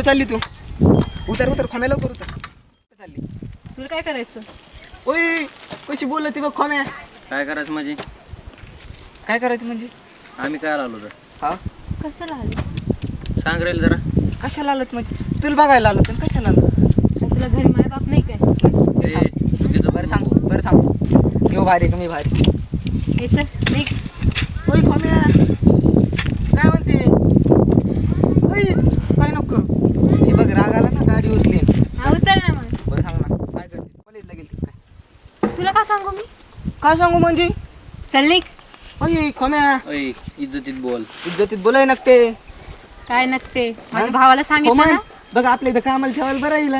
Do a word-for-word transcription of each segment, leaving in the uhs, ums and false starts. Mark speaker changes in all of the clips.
Speaker 1: चालली तू? उतर उतर खोम्या लवकर उतर. चालली
Speaker 2: तुला काय करायचं?
Speaker 1: ओय कशी बोलती बघ खोम्या.
Speaker 3: काय करायचं म्हणजे?
Speaker 1: काय करायचं म्हणजे?
Speaker 3: आम्ही काय आलो तर
Speaker 1: हा
Speaker 2: कशाला आली?
Speaker 3: सांग रेल जरा.
Speaker 1: कशाला आलत म्हणजे? तुला बघायला आलो तर कशाला आलो?
Speaker 2: काय तुला घरी माय बाप नाही काय?
Speaker 3: ए, चुकीचं
Speaker 1: बरं थांब बरं थांब. मी भारी का मी भारी.
Speaker 2: हे चल निघ.
Speaker 1: ओय खोम्या काय म्हणते? ओय काय नको करू. हे बघ राग आला ना गाडी उचली.
Speaker 2: हा उचल ना मग.
Speaker 1: बरं सांग ना काय करते? कॉलेजला गेली काय?
Speaker 2: तुला काय सांगू मी?
Speaker 1: काय सांगू म्हणजे?
Speaker 2: चल निघ.
Speaker 1: ओय खोम्या
Speaker 3: ओय इज्जतीत बोल.
Speaker 1: इज्जतीत बोलाय नकते.
Speaker 2: काय नसते माझ्या भावाला सांगितलं ना.
Speaker 1: बघ आपल्या इथं कामाला ठेवायला बरं येईल.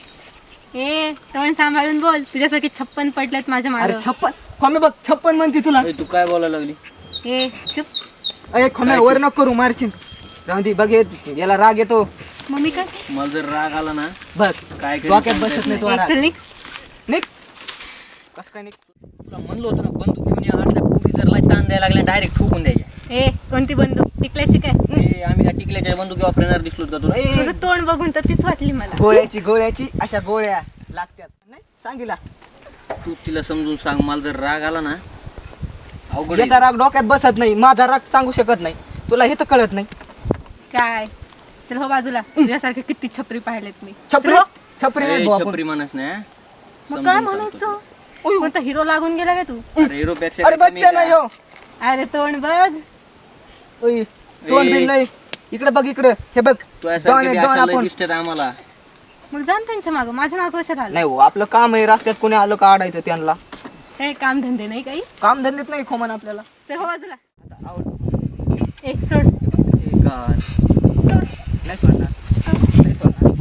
Speaker 2: ए तोंड सांभाळून बोल. तुझ्यासारखे छप्पन पडलेत माझ्या
Speaker 1: अरे
Speaker 2: मागे.
Speaker 1: छप्पन खोम्या बघ छप्पन म्हणते तुला.
Speaker 3: ओय, तू काय बोलायला लागली?
Speaker 2: ए चुप.
Speaker 1: अरे खोम्या वर नको करू मारशील. राहून दे बघ ये- याला राग येतो.
Speaker 2: मम्मी काय?
Speaker 3: मला जर राग आला ना
Speaker 1: बघ
Speaker 3: काय करीन
Speaker 1: डोक्यात
Speaker 3: सांगता
Speaker 1: बसत
Speaker 3: येत
Speaker 1: नाही
Speaker 3: नाही.
Speaker 1: तू
Speaker 2: ए, चल निघ.
Speaker 1: निघ कस काय निघ.
Speaker 3: तुला म्हणलं होतं ना बंदूक घेऊन या आठल्या पोटी जर लाई ताण द्यायला लागल्या डायरेक्ट ठोकून द्यायच्या.
Speaker 2: ए कोणती बंदूक? टिकल्याची काय?
Speaker 3: ए, आम्ही काय टिकल्याच्या बंदुकी वापरणार दिसलो का तुला?
Speaker 1: ए,
Speaker 2: तुझं तोंड बघून तर तीच वाटली मला.
Speaker 1: गोळ्याची गोळ्याची अशा गोळ्या लागतात नाही सांगितला.
Speaker 3: तू तिला समजून सांग. मला जर राग आला ना अवघड
Speaker 1: याचा
Speaker 3: आहे.
Speaker 1: राग डोक्यात बसत नाही. माझा राग सांगू शकत नाही. तुला हे तर कळत नाही.
Speaker 2: काय? चल हो बाजूला. तुझ्यासारखे किती छपरी पाहिलेत मी.
Speaker 1: छपरी
Speaker 2: चल हो.
Speaker 1: छपरी
Speaker 3: ए,
Speaker 1: नाही भाऊ आपण.
Speaker 3: छपरी म्हणत नाही हा?
Speaker 2: मग
Speaker 3: समजून
Speaker 2: काय
Speaker 3: सांगतो
Speaker 2: म्हणायचं? कोणता हिरो लागून गेला काय तू?
Speaker 3: तुला. अरे हिरोपेक्षा
Speaker 1: अरे
Speaker 3: काय कमी
Speaker 1: बच्चा नाही
Speaker 3: का?
Speaker 1: हो.
Speaker 2: अरे तोंड बघ.
Speaker 1: ओय, तोंड बिन नाही. इकडे बघ इकडे हे बघ.
Speaker 3: तुझ्यासारखे
Speaker 1: डॉन आहे,
Speaker 3: बी
Speaker 1: डॉन
Speaker 3: अशा लय
Speaker 1: आपण.
Speaker 3: दिसतात आम्हाला.
Speaker 2: मग जाण त्यांच्या मागं. माझ्या मागं कशाला आला?
Speaker 1: नाही हो आपलं काम आहे. रस्त्यात कोणी आलं का आडायचं त्यांना.
Speaker 2: हे काम धंदे नाही काही.
Speaker 1: काम धंदेत नाही खोमन आपल्याला.
Speaker 2: चल हो बाजूला.
Speaker 1: आता आवड
Speaker 2: एक सोड.
Speaker 1: हे काय
Speaker 2: सोड.
Speaker 1: नाही सोडणार
Speaker 2: सोड.
Speaker 1: नाही सोडणार.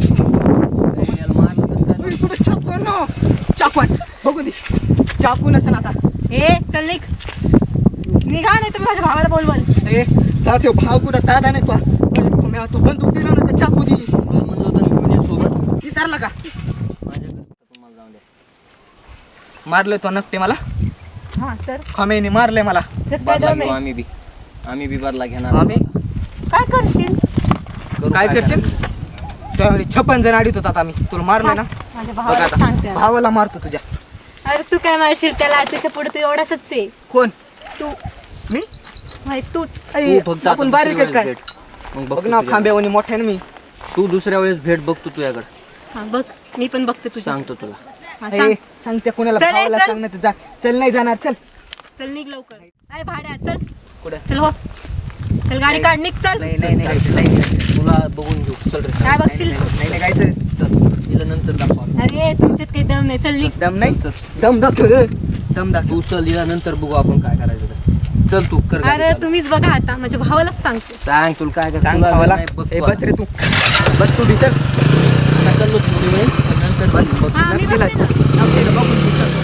Speaker 3: ए, याला मारलं तर चालेल.
Speaker 1: ओय, कुठे चाकू आहे ना? चाकू आहे. बघू दे चाकू नसेल आता.
Speaker 2: ए चल निघ. निघा नाही तर माझ्या भावाला बोलवल.
Speaker 1: ए जा त्यो भाव कुठं दादा नाही तो खोम्या तू बंदूक दिला ना तर चाकू दे.
Speaker 3: मला म्हणलं होतं ना घेऊन ये सोबत.
Speaker 1: विसरला का?
Speaker 3: माझ्याकडे तुम्हाला जाऊन द्या.
Speaker 1: मारले तो नकटे मला.
Speaker 2: हा तर
Speaker 1: खोम्याने मारले मला.
Speaker 2: त्यात काय
Speaker 3: बदला
Speaker 2: दम
Speaker 3: घेऊ
Speaker 2: आहे?
Speaker 3: आम्ही बी. आम्ही बी बदला घेणार.
Speaker 1: आम्ही
Speaker 2: काय करशील?
Speaker 3: करू
Speaker 1: काय करशील?
Speaker 3: करायचं?
Speaker 1: त्यावेळी छप्पन जण अडीत होतात आम्ही. तुला मारलं ना.
Speaker 2: माझ्या
Speaker 1: बघ
Speaker 2: भावाला
Speaker 1: आता
Speaker 2: सांगते.
Speaker 1: भावाला मारतो तुझ्या.
Speaker 2: अरे तू काय मारशील त्याला? त्याच्या पुढे तू एवढाच आहे.
Speaker 1: कोण
Speaker 2: तू
Speaker 1: मी?
Speaker 2: माहित तूच.
Speaker 1: ऐ,
Speaker 3: तू फक्त आता
Speaker 1: आपण बारीक आहेत
Speaker 3: दुसऱ्या
Speaker 1: काय?
Speaker 3: वेळेस भेट. मग
Speaker 1: बघ
Speaker 3: बघतो
Speaker 1: ना
Speaker 3: तुझ्याकडे.
Speaker 1: खांब्यावानी मोठ्या ना मी.
Speaker 3: तू दुसऱ्या वेळेस भेट बघतो तुझ्याकडे.
Speaker 2: हा बघ मी पण बघते तुझ्या.
Speaker 3: सांगतो तुला.
Speaker 2: हा,
Speaker 1: ऐ,
Speaker 2: सांग.
Speaker 1: सांगते कोणाला
Speaker 2: चल, ए,
Speaker 1: भावाला
Speaker 2: चल.
Speaker 1: सांग नाही तर जा. चल नाही जाणार चल.
Speaker 2: चल निघ लवकर. काय भाड्या चल.
Speaker 1: कुठे?
Speaker 2: चल हो. चल गाडी काढ निघ चल.
Speaker 1: नाही नाही नाही नाही
Speaker 3: तुला बघून घेऊ. चल रे.
Speaker 2: काय बघशील?
Speaker 1: नाही नाही गायचं.
Speaker 3: चल. तिला नंतर दाखवा.
Speaker 2: अरे तुमच्यात काही दम नाही. चल निघ.
Speaker 1: दम नाही. दम दाखव रे. दम दाखव.
Speaker 3: तू चल. हिला नंतर बघू आपण काय करायचं ते. चल तू कर गाडी
Speaker 2: अरे
Speaker 3: चालू.
Speaker 2: तुम्हीच बघा आता. माझ्या भावालाच सांगते.
Speaker 3: सांग तुला काय करायचं.
Speaker 1: सांग
Speaker 3: तुला
Speaker 1: भावाला.
Speaker 3: नाही बघतो
Speaker 1: ए
Speaker 3: आता.
Speaker 1: बस रे तू. बस तू बी चल.
Speaker 3: आता चाललो थोडी वेळ पण नंतर
Speaker 1: बस.
Speaker 3: बघ.
Speaker 2: हा, मी
Speaker 1: दिला.
Speaker 2: बघते ना.
Speaker 1: नक्की रे, बघून तू चल.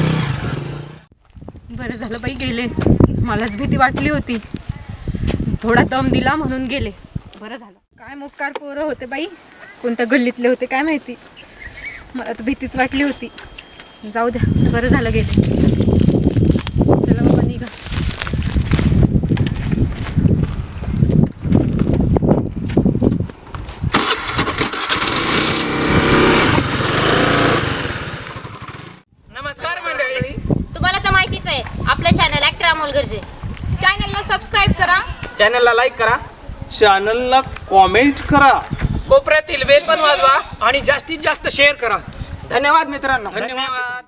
Speaker 2: बरं झालं बाई गेले. मलाच भीती वाटली होती. थोडा दम दिला म्हणून गेले. बरं झालं. काय मोकार पोरं होते बाई. कोणत्या गल्लीतले होते काय माहिती. मला तर भीतीच वाटली होती. जाऊ द्या बरं झालं गेले. चला बाबा निघा.
Speaker 1: नमस्कार मंडळी.
Speaker 4: तुम्हाला तर माहितीच आहे आपलं चॅनल ॲक्टर अमोल गरजे. चॅनलला सबस्क्राईब करा.
Speaker 1: चॅनलला लाईक करा.
Speaker 5: चॅनलला कॉमेंट करा.
Speaker 1: कोपऱ्यातील बेल पण वाजवा
Speaker 5: आणि जास्तीत जास्त शेअर करा.
Speaker 1: धन्यवाद मित्रांनो. धन्यवाद.